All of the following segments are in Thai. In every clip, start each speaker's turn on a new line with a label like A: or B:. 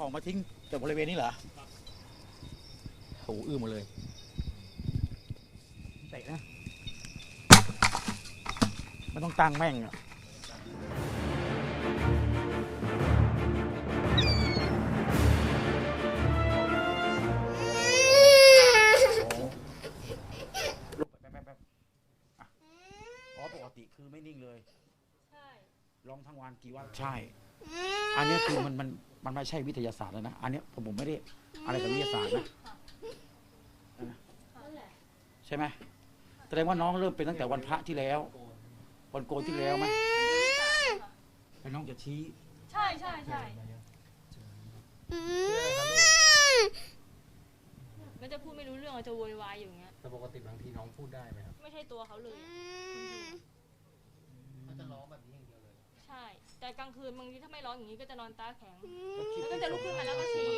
A: ของมาทิ้งจากบริเวณนี้เหรอโหอื้อหมดเลยเตะนะมันต้องตั้งแม่งอ่ะลุกไปอ๋อปกติคือไม่นิ่งเลยใช่ลองทั้งวันกี่วันใช่อันนี้คือมันไม่ใช่วิทยาศาสตร์แล้วนะอันนี้ผมไม่ได้อะไรกับวิทยาศาสตร์นะใช่ไหมแสดงว่าน้องเริ่มเป็นตั้งแต่วันพระที่แล้ววันโกนที่แล้วไหมไอ้น้องจะชี้
B: ใช่มันจะพูดไม่รู้เรื่องจะโวยวายอยู่อย่างเงี้ย
C: แต่ปกติบางทีน้องพูดได้ไหมครับ
B: ไม่ใช่ตัวเขาเลย
C: เขาจะร้องแบบนี้อย่างเดียวเลย
B: ใช่แต่กลางคืนบางทีถ้าไม่ร้องอย่างนี้ก็จะนอนตาแข็งแล้วก็จะลุกขึ้นมาแล้วก็ชี้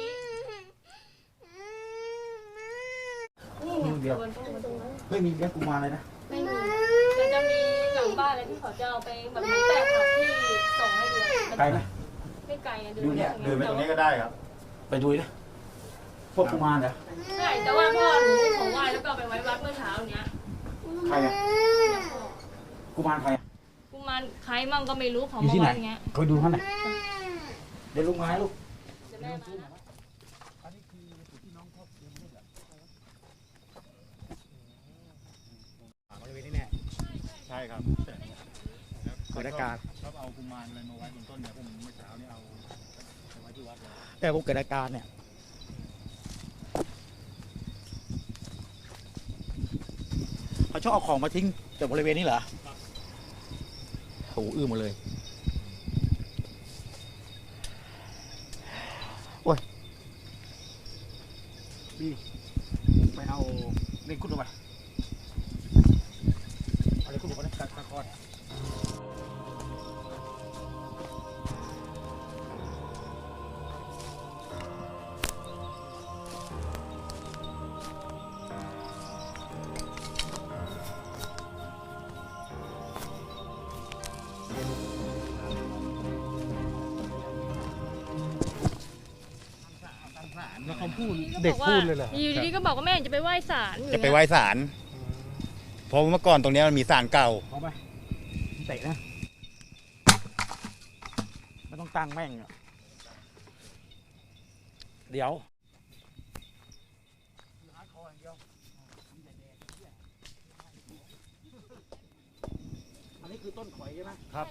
A: เดียวไม่มีแค่กุมารเลยนะ
B: ไม่มีแต่จะมีหลังบ้านอะไรที่เขาจะเอาไปแบบเหมือนแปะผักที่ส่งให้ดู
A: ไกลไหม
B: ไม่ไกลนะ
A: ดูเนี่ย
D: เดินไปตรงนี้ก็ได้ครับ
A: ไปดูนะพวกกุมารเหรอ
B: ใช่แต่ว่าพ่อหนูของไหว้แล้วก็ไปไว้วัดเมื่อเช้าเนี้ย
A: ใครอะกุมารใครอะ
B: กุมารใครมั่งก็ไม่รู้ของมาไว้เงี้ย
A: เคยดูเขาไหนเดี๋ยวลุงมาลูก
B: เดี๋ยวแม่มานะ
A: อันนี้คือจุดที่น้องเขาเดินเล่นเหรอบริเวณนี้แน่
D: ใช่ครับ
A: เกิดอาการ
D: ครับเอากุมารอะไรมาไว้บนต้นเนี่ยผมเมื่อเช้านี่เอาไว้ที่วัดเลย
A: แต่ผมเกิดอาการเนี่ยเขาชอบเอาของมาทิ้งจากบริเวณนี้เหรอโหอื้อหมดเลยโอ้ยดีไปเอาเล่นกุดลงไปเอาเล่นกุดลงไปนะตะกอน
C: แล้วเขาพูดเด็กพูดเลยเหรอ
B: อยู่ดีๆก็บอกว่าแม่จะไปไหว้ศาล
D: จะไปไหว้ศาลเพราะเมื่อก่อนตรงนี้มันมีศาลเก่า
A: เอาไปเตะนะมันต้องตั้งแม่งอ่ะเดี๋ยวอันนี้คือต้นข่อยใช่ไหม
D: ครับ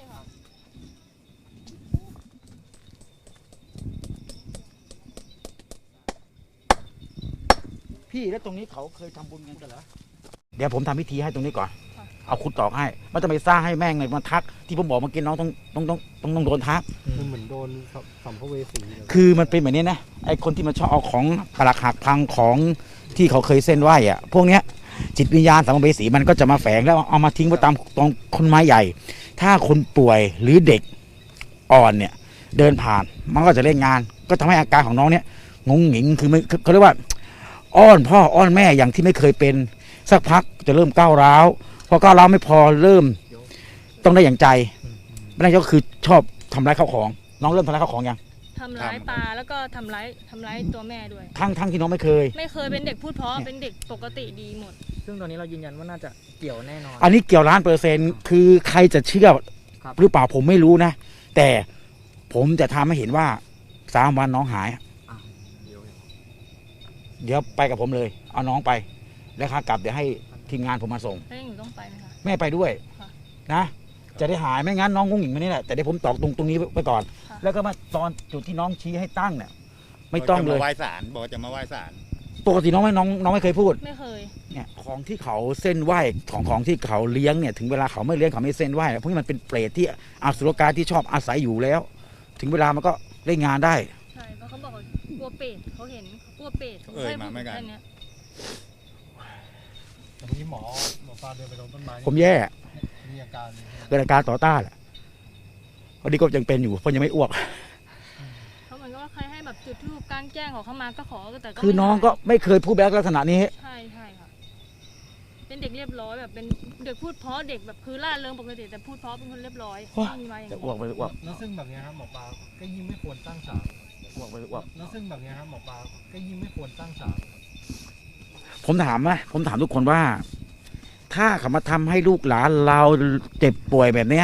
A: พี่แล้วตรงนี้เขาเคยทำบุญกันเหรอเดี๋ยวผมทำพิธีให้ตรงนี้ก่อนเอาขุดตอกให้มันจะไปสร้างให้แม่งเลยมาทักที่ผมบอกเมื่อกี้น้องต้องโดนทัก
C: มันเหมือนโดนสัมภเวสี
A: คือมันเป็นแบบนี้นะไอคนที่มันชอบเอาของปลักหักพังของที่เขาเคยเส้นไหวอ่ะพวกเนี้ยจิตวิญญาณสัมภเวสีมันก็จะมาแฝงแล้วเอามาทิ้งไว้ตามตรงต้นไม้ใหญ่ถ้าคนป่วยหรือเด็กอ่อนเนี่ยเดินผ่านมันก็จะเล่นงานก็ทำให้อาการของน้องเนี้ยงงหงิงคือเขาเรียกว่าอ้อนพ่ออ้อนแม่อย่างที่ไม่เคยเป็นสักพักจะเริ่มก้าวร้าวพอก้าวร้าวไม่พอเริ่มต้องได้อย่างใจไม่ได้ก็คือชอบทำร้ายข้าวของน้องเริ่มทำร้ายข้าวของยัง
B: ทำร้ายปลาแล้วก็ทำร้ายตัวแม่ด้วย
A: ทั้งที่น้องไม่เคย
B: เป็นเด็กพูดเพราะเป็นเด็กปกติดีหมด
C: ซึ่งตอนนี้เรายืนยันว่าน่าจะเกี่ยวแน่นอน
A: อันนี้เกี่ยว100%คือใครจะเชื่อหรือเปล่าผมไม่รู้นะแต่ผมจะทำให้เห็นว่า3 วันน้องหายเดี๋ยวไปกับผมเลยเอาน้องไปแล้วขากลับเดี๋ยวให้ทีมงานผมมาส่ง
B: แล้วหนูต้องไปไหมคะ
A: แม่ไปด้วยนะจะได้หายไม่งั้นน้องงงหงิงมานี่แหละแต่เดี๋ยวผมตอกตรงนี้ไปก่อนแล้วก็มาตอนจุดที่น้องชี้ให้ตั้งเนี่ยไม่ต้องเลย
D: ไหว้ศาลบอกจะมาไหว้ศาล
A: ปกติน้องไม่เคยพูด
B: ไม่เคย
A: เนี่ยของที่เขาเส้นไหว้ของที่เขาเลี้ยงเนี่ยถึงเวลาเขาไม่เลี้ยงเขาไม่เส้นไหว้พวกนี้มันเป็นเปรตที่อสุรกายที่ชอบอาศัยอยู่แล้วถึงเวลามันก็เล่นงานได้
B: ใช่เพราะเขาบอกกลัวเปรตเขาเห็นกลัวเปรต
D: มาไม่กัน
C: แต่ทีนี้หมอปลาเดินไปตรงต้นไม้
A: ผมแย่
C: มีอาการ
A: เกิดอาการต่อต้านแหละพอดีก็ยังเป็นอยู่เพราะยังไม่อ้วก
B: เขาเหมือนกับว่าใครให้แบบจุดธูปกลางแจ้งของเขามาก็ขอแต่
A: คือน้องก็ไม่เคยพูดแบบลักษณะนี้
B: ใช่ค่ะเป็นเด็กเรียบร้อยแบบเป็นเด็กพูดเพราะเด็กแบบคือล่าเริงปกติแต่พูดเพราะเป็นคนเรียบร้อยไม่มีมาอย่างนี้
A: อ้วกไปอ้วก
C: แล้วซึ่งแบบนี้ครับหมอปลาก็ยิ่งไม่ควรตั้งศาล
A: อ้วกไปอ้วก
C: แล้วซึ่งแบบเนี้ยครับหมอปลาก็ยิ่งไม่ควรตั้งศาล
A: ผมถามทุกคนว่า ถ้าเขามาทำให้ลูกหลานเราเจ็บป่วยแบบเนี้ย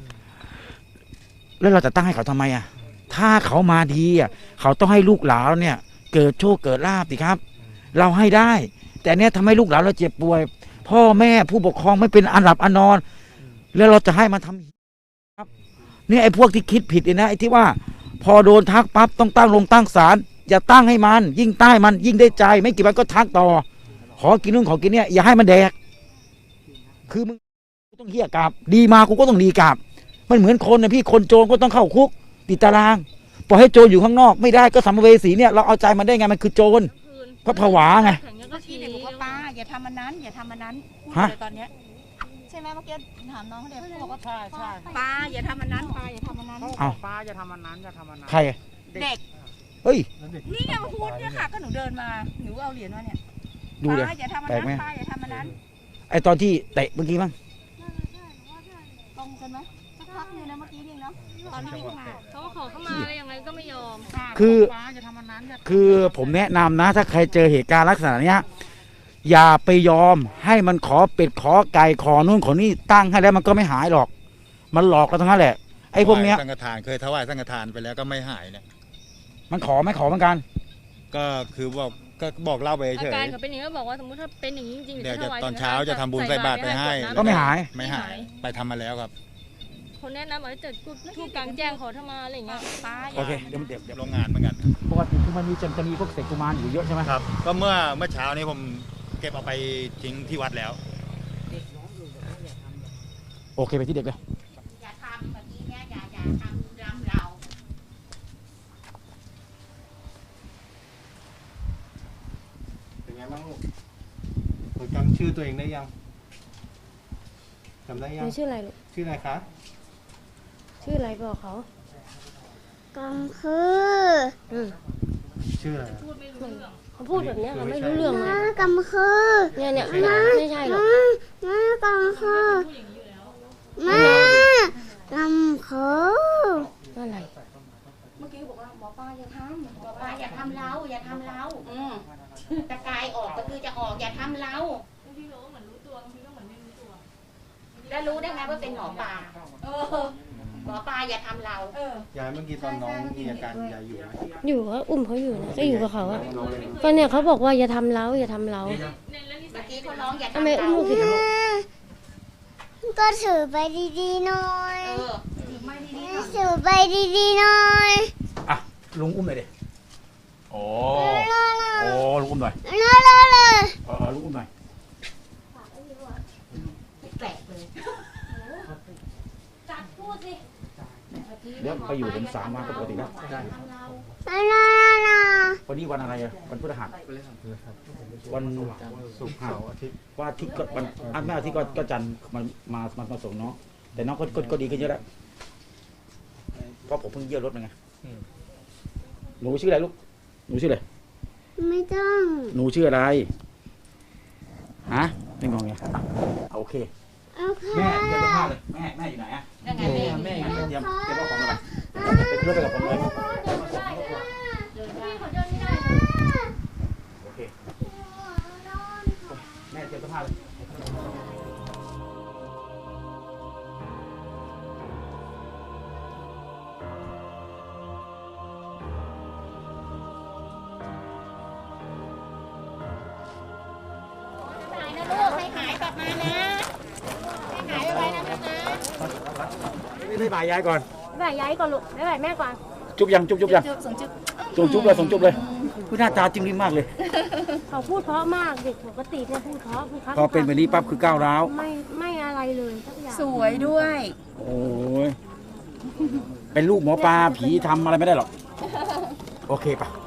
A: แล้วเราจะตั้งให้เขาทำไมอ่ะ ถ้าเขามาดีอ่ะเขาต้องให้ลูกหลานเนี่ย เกิดโชคเกิดลาภสิครับ เราให้ได้ แต่เนี้ยทำให้ลูกหลานเราเจ็บป่วย พ่อแม่ผู้ปกครองไม่เป็นอันหลับอันนอน แล้วเราจะให้มันทำครับเนี่ยไอ้พวกที่คิดผิดเนี่ยนะไอ้ที่ว่า พอโดนทักปั๊บต้องตั้งศาลอย่าตั้งให้มัน ยิ่งใต้มันยิ่งได้ใจ ไม่กี่วันก็ทักต่อ ขอกินนู่นขอกินเนี่ยอย่าให้มันแดก คือมึงต้องเหี้ยกลับ ดีมากูก็ต้องดีกลับ มันเหมือนคนนะพี่คนโจรก็ต้องเข้าคุก ติดตารางปล่อยให้โจรอยู่ข้างนอกไม่ได้ก็สัมภเวสีเนี่ยเราเอาใจมันได้ไงมันคือโจร
B: คืน
A: ก็ผวาไง
B: แข่งยังก็
E: เมื่อ
B: ที
E: กี้เด็กบอกว่าป้าอย่าทำมันนั้นอย่าทำมันนั้นพูด
A: ฮะ
E: เลยตอนเนี้ยใช่ไหมเมื่อกี้ถามน้องเขาเด็กเขาบอกว่า
C: ใช่ใช่
E: ป้าอย่าทำมันนั้นป้าอย่าทำมันนั้น
A: เอ้า
C: ป้าอย่าทำมันนั้นอย่าทำมันนั้น
A: ใคร
E: เด็ก
A: เฮ้ย
C: แล้วเด็ก
E: นี่ไงมาพูดเนี่ยค่ะก็หนูเดินมาหนูเอาเหรียญมาเนี่ย
A: ดูเลย
E: ป้าอย่าทำมัน
A: แปลกไหม
E: นั้นป้าอย่าทำมันนั้น
A: ไอตอนที่เตะเมื่อกี้มั้ง
E: ตรงกันไหมสักพักหนึงนะเมื่อกี้นี่เนาะตอนที่วิ่งมา
B: เขาก็ขอเข้ามาแล้วยังไงก็ไม่ยอม
A: คือ
C: ป้าอย่าทำมันนั้นอย่า
A: คือผมแนะนำนะ ถ้าใครเจอเหตุการณ์ลักษณะเนี้ยอย่าไปยอมให้มันขอเป็ดขอไก่ขอนู่นขอนี่ตั้งให้แล้วมันก็ไม่หายหรอก มันหลอกเราทั้งนั้นแหละไอ้พวกเนี้ย
D: สังฆทานเคยถวายสังฆทานไปแล้วก็ไม่หายเนี่ย
A: มันขอไม่ขอเหมือนกัน
D: ก็คือบอกเล่าไป
B: อา
D: เฉย
B: การเขาเป็นอย่างนี้ก็บอกว่าสมมติถ้าเป็นอย่างนี้จริงๆ
D: เดี๋ยวจะ
B: ถวาย
D: ตอนเช้าจะทำบุญใส่บาตรไปให้
A: ก็ไม่หาย
D: ไม่หาย ไปทำมาแล้วครับ
B: คนแนะนำว่าจะทูบกลางแจ้งขอเข้ามาอะไรอย่างเงี้ย
E: ป้าอ
A: โอย่าง เคเดี๋ยว
D: โรงงานเหมือนกัน
A: ปกติคือมันจะมีพวกเศษกุมารอยู่เยอะใช่ไหม
D: ครับ ก็เมื่อเช้านี้ผมเก็บเอาไปทิ้งที่วัดแล้ว
A: โอเคไปที่เด็กเลย
E: อย่าทำแบบนี้เนี่ยอย่าทำรำเรา
C: เป็นไงบ้างลูกหนูจำชื่อตัวเองได้ยังจำได้ยัง
F: ชื่ออะไรลูก
C: ชื่ออะไรคะ
F: ชื่ออะไรบอกเขา
G: กำคือ
C: ชื่ออะไร
F: เขาพูดแบบเนี้ยเราไม่รู้เรื่องเลย
G: น้ากำคือ
F: เนี่ยไม่ใช่หรอก
G: น้ากำคือน้ากำคือ
F: อะไร
E: เมื่อกี้บอกว่าหมอป้าอย่าทำหมอป้าอย่าทำเราอย่าทำเราตะกายออกก็คือจะออกอย่าทำเรา
B: บางทีเราก็เหมือนรู้ตัวบางทีก็เหมือนไม่รู้ตัว
E: แล้วรู้ได้ไงว่าเป็นหมอปลาหมอปลาอย่าทำเรา
C: ยายเมื่อกี้ตอนน้องมีอาการยายอยู่ไหม
F: อยู่ก็อุ้มเขาอยู่นะก็อยู่กับเขาอะก็เนี่ยเขาบอกว่าอย่าทำเราอย่าทำเรา
E: เมื่อกี้เขาร้องอย่า
F: ทำไม
E: ทำ
F: อุ้ม
E: เรา
F: ลูกผิด
G: ก็ถือไปดีๆหน่อย
E: ถือไม่ดี
G: ถือไปดีๆหน่อย
A: อ่ะลุงอุ้มหน่อยดิโอ้ลุงอุ้มหน่อย
G: เลย
A: ลุงอุ้มหน่อย
E: แปลกเลย
B: จัดพูดสิ
A: เดี๋ยวไปอยู่เป็น3 วันก็ปกติแล้ว วันนี้วันอะไรอ่ะวันพฤหัสวันศุกร์เสาร์อาทิตย์วันอาทิตย์ก็วันไม่อาทิตย์ก็จันทร์มาส่งน้องแต่น้องก็ดีขึ้นเยอะแล้วเพราะผมเพิ่งเยี่ยวรถมาไงหนูชื่ออะไรลูกหนูชื่ออะไร
G: ไม่ต้อง
A: หนูชื่ออะไรฮะไม่งงไงโอเค
G: โอเค
A: แม่เตรียมเสื้อผ้าเลยแม่อยู่ไหนอ่ะ
E: ยังไงแม่
A: เตรียมเอาของมาไปขึ้นรถไปกับผมเลยโอเคแม่เตรียมเสื้อผ้าเลย
E: หายนะลูกให้หายกลับมานะให้หายไปนะแม่นะ
A: ไม่บายยายก่อน
F: บ๊ายบายยายก่อนลูกบ๊ายบายแม่ก่อน
A: จุ๊บยังจุ๊บยัง
E: จุ๊บส่งจุ๊บ
A: ส่งจุ๊บเลยคุณหน้าตาจริงดีมากเลย
F: เขาพูดเพราะมากเด็กปกติเนี่ยพูดเพราะพูดครับ
A: พอเป็นแบบนี้ปั๊บคือก้าวร้าว
F: ไม่อะไรเลยสักอย่าง
E: สวยด้วย
A: โอ้ยเป็นลูกหมอปลาผีทำอะไรไม่ได้หรอก โอเคปะ